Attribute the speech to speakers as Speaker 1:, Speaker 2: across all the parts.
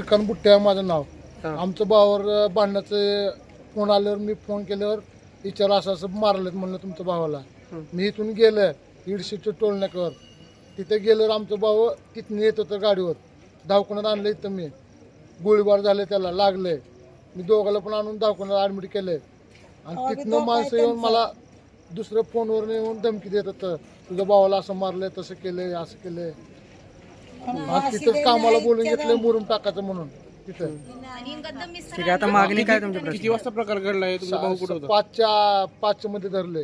Speaker 1: श्रीकांत बुट्टे आहे माझं नाव.
Speaker 2: हा.
Speaker 1: आमचं भावावर भांडणाचं फोन आल्यावर मी फोन केल्यावर विचार असं असं मारलेत म्हणलं तुमच्या भावाला. मी इथून गेलं इडशीच्या टोलण्याकर, तिथे गेल्यावर आमचं भाऊ तिथून येत होतं गाडीवर, दवाखान्यात आणलं. इथं मी गोळीबार झाले, त्याला लागले. मी दोघाला पण आणून दवाखान्यात ॲडमिट केले. आणि तिथनं माणसं येऊन मला दुसऱ्या फोनवर येऊन धमकी देत होतं, तुझ्या भावाला असं मारलंय, तसं केलंय, असं केलंय. तिथं कामाला बोलून घेतलंय मुरुम टाकायचं म्हणून तिथं.
Speaker 2: ठीक आहे, आता मागणी काय तुमच्या? किती वाजता प्रकार घडलाय? तुमचा भाऊ कुठे होता?
Speaker 1: पाचच्या मध्ये धरले.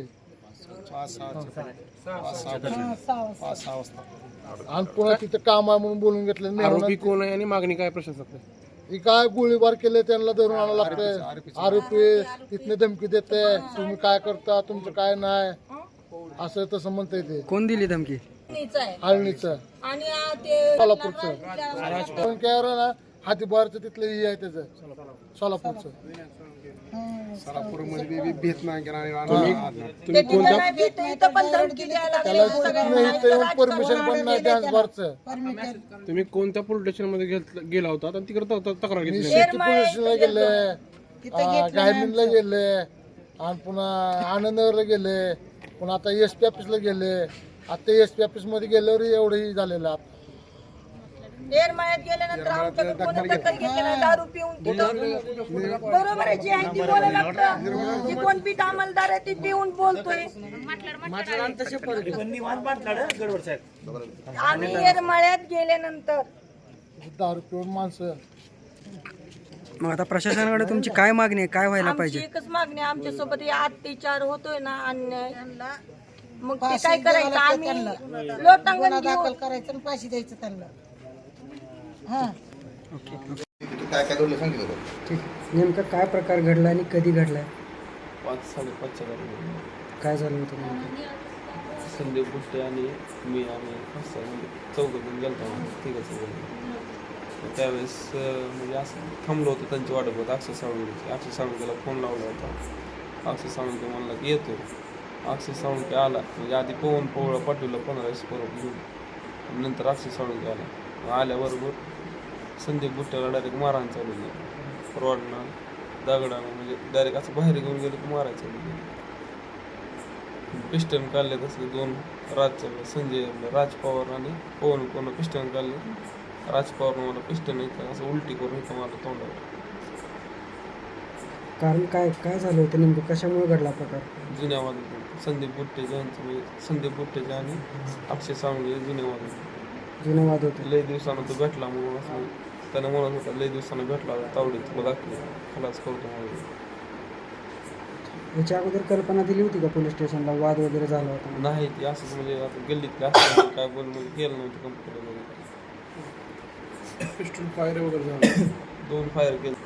Speaker 1: आणि पुन्हा तिथं काम आहे म्हणून बोलून घेतलं.
Speaker 2: आरोपी कोण आहे आणि मागणी काय प्रशासक?
Speaker 1: ही काय गोळीबार केले त्यांना धरून आणावं लागतंय. आरोपी तिथने धमकी देते, तुम्ही काय करता, तुमचं काय नाही, असं तसं म्हणता येते.
Speaker 2: कोण दिली धमकी?
Speaker 1: आळणीचं आणि सोलापूरचं पण काय ना, हातीबारचं तिथलं हे आहे त्याचं सोलापूरचं.
Speaker 2: तुम्ही कोणत्या
Speaker 1: त्याला परमिशन पण नाही डान्स बारचं.
Speaker 2: तुम्ही कोणत्या पोलीस स्टेशन मध्ये गेला होता आणि तिकडे तक्रार
Speaker 1: मी
Speaker 2: घेतली?
Speaker 1: शेती पोलिसला गेले, गायमीनला गेले, आणि पुन्हा आनंदनगरला गेले, पुन्हा आता SP ऑफिसला गेले. आता SP ऑफिस मध्ये गेल्यावर एवढंही झालेलं आहे.
Speaker 3: येरमाळ्यात गेल्यानंतर आमच्याकडे कोणी दखल घेतली नाही. दारू पिऊन तिथं बरोबर आहे, जी आहे ती बोलायला लागतं. जी कोण पीठ अंमलदार आहे ती पिऊन बोलतोय. आम्ही येरमाळ्यात गेल्यानंतर
Speaker 1: दारू पिऊन माणसं.
Speaker 2: मग आता प्रशासनाकडे तुमची काय मागणी आहे? काय व्हायला
Speaker 3: आमची
Speaker 2: पाहिजे?
Speaker 3: एकच मागणी आहे, आमच्यासोबत हे अत्याचार होतोय ना अन्याय, मग ते काय करायचं? आम्ही लोटांगण घेऊन
Speaker 4: करायचं आणि फाशी द्यायचं त्यांना.
Speaker 5: काय काय घडलं सांगितलं बघ.
Speaker 2: ठीक. नेमका काय प्रकार घडला आणि कधी घडलाय?
Speaker 6: 5-5:30च्या दरम्यान
Speaker 2: काय झालं होतं नेमकं?
Speaker 6: संदीप बुट्टे आणि मी आणि म्हणजे चौघजण गेलतो, ठीक आहे. त्यावेळेस म्हणजे असं थांबलो होतो त्यांची वाट बघत. अक्षय साळुंकेला फोन लावला होता. अक्षय साळुंके म्हणला की येतो. अक्षय साळुंके आला, म्हणजे आधी पवन पोवळा पाठवलं 15 परत घेऊन. नंतर अक्षय साळुंके आल्याबरोबर संदीप बुट्ट्याला डायरेक्ट मारहाण चालू केली. रॉडनं दगडानं, म्हणजे डायरेक्ट असं बाहेर घेऊन गेलं की मारायचं चालू केलं. पिस्टन काढले तसले 2 संजय राज पवार आणि पवन पिस्टन काढले. राज पवारनं मला पिस्टन इथं असं उलटी करून इथं मला तोंडावर.
Speaker 2: कारण काय काय झालं होतं नेमकं? कशामुळे घडला प्रकार?
Speaker 6: जुन्या वादन संदीप बुट्टेच्या म्हणजे संदीप बुट्टेच्या आणि अक्षय साळुंके जुन्या वादन.
Speaker 2: जुनं वाद होतं.
Speaker 6: लय दिवसानं तो भेटला म्हणून असं त्यानं म्हणत होता, लय दिवसानं भेटला तावडीत तुला दाखले खलास करतो म्हणून.
Speaker 2: याच्या अगोदर कल्पना दिली होती का पोलीस स्टेशनला वाद वगैरे झाला होता?
Speaker 6: नाही ते असंच म्हणजे आता गल्लीतले असं काय बोल म्हणजे केलं नव्हतं कंपनी वगैरे.
Speaker 2: पिस्टल फायर वगैरे झालं?
Speaker 6: 2 फायर केले.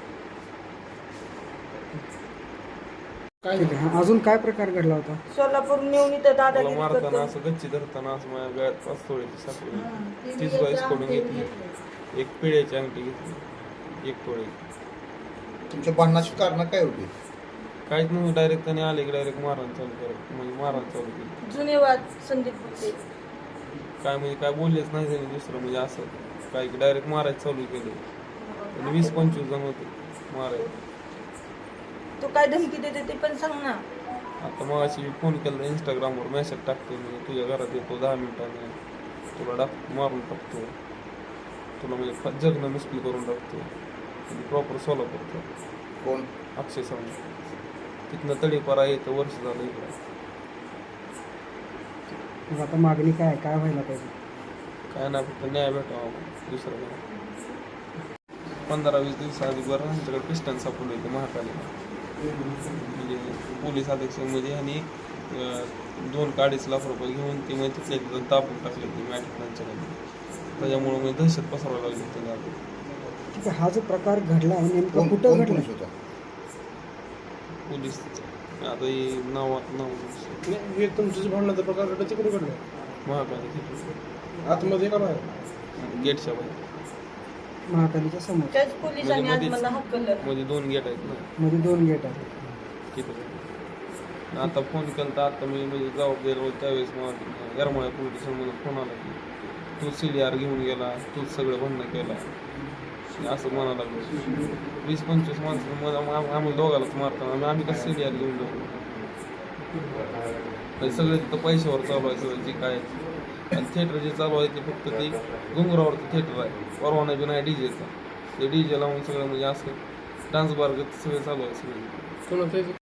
Speaker 2: ठीक आहे. अजून काय प्रकार घडला होता?
Speaker 3: सोलापूर नेऊन इथं
Speaker 6: मला
Speaker 3: दादागिरी
Speaker 6: मारताना
Speaker 3: करतो.
Speaker 6: असं गच्ची धरताना असं माझ्या गळ्यात 5 तोळ्याची साखळी घेतली, 30 बाईस कडून घेतली, 1 पिढ्याची अंगठी घेतली, 1 तोळे.
Speaker 5: तुमच्या भांडणाची कारण काय होती?
Speaker 6: काहीच नव्हतं. डायरेक्ट त्याने आले की डायरेक्ट मारहाण चालू करत, म्हणजे मारहाण चालू केली.
Speaker 3: जुनेवाद संदीप बुट्टे.
Speaker 6: काय म्हणजे काय बोललेच नाही त्याने दुसरं, म्हणजे असं काय की डायरेक्ट मारायचं चालू केले. आणि 20-25 जण होते मारायला.
Speaker 3: तू काय धमकी देते ते पण सांग ना.
Speaker 6: आता मग अशी फोन केला, इंस्टाग्रामवर मेसेज टाकतो, म्हणजे तुझ्या घरात येतो 10 मिनिटाने, तुला मारून टाकतो, तुला म्हणजे जगणं मुश्किल करून टाकतो. म्हणजे प्रॉपर सोलापूरचा
Speaker 5: कोण?
Speaker 6: अक्षय साळुंके. तिथनं तडीपारा येतं, वर्ष झालं इकडं.
Speaker 2: मग आता मागणी काय काय व्हायला पाहिजे?
Speaker 6: काय नाही, फक्त न्याय भेटावा, दुसरं काय. 15-20 दिवसाआधी बरं आमच्याकडे पिस्टन सापडलं होतं महाकालीला. म्हणजे पोलीस अधीक्षकमध्ये आणि 2-2.5 लाख रुपये घेऊन ते म्हणजे तिथल्या तिथं तापून टाकले ते मॅटिकांच्याकडे. त्याच्यामुळं मी दहशत पसरावं लागली त्याला.
Speaker 2: ठीक आहे. हा जो प्रकार घडला आहे नेमका
Speaker 5: कोण
Speaker 2: कुठं
Speaker 5: कोण
Speaker 2: घडला?
Speaker 5: पोलीस होता?
Speaker 6: पोलीस आता हे नाव
Speaker 7: हे तुमचं भांडणाचा प्रकार घडला तिकडे घडला
Speaker 6: महाकाली
Speaker 7: आतमध्ये का बाहेर?
Speaker 6: गेटच्या बाहेर.
Speaker 2: महाकालीच्या समोर
Speaker 3: त्याच पोलिसांनी आज मला हकललं.
Speaker 6: मध्ये 2 गेट आहेत ना
Speaker 2: मध्ये 2 गेट आहेत.
Speaker 6: तिथं. आता फोन केला तर आता मी म्हणजे जबाबदार होतो त्यावेळेस मला येरमाळ्या पोलीस स्टेशनमधून फोन आला की तू CDR घेऊन गेला, तूच सगळं भांडणं केला. असं म्हणायला लागलो. 20-25 माणसं आम्हाला दोघालाच मारताना आम्ही कसं सिनियर घेऊन जाऊ. म्हणजे सगळे तिथं पैशावर चालू आहे सगळं जे काय. आणि थिएटर जे चालू आहे ते फक्त ते डोंगरावरचं थिएटर आहे, परवाना बी नाही डीजेचा. ते डीजे लावून सगळं म्हणजे असं डान्स बार सगळं चालू आहे सगळं.
Speaker 7: कोणाचं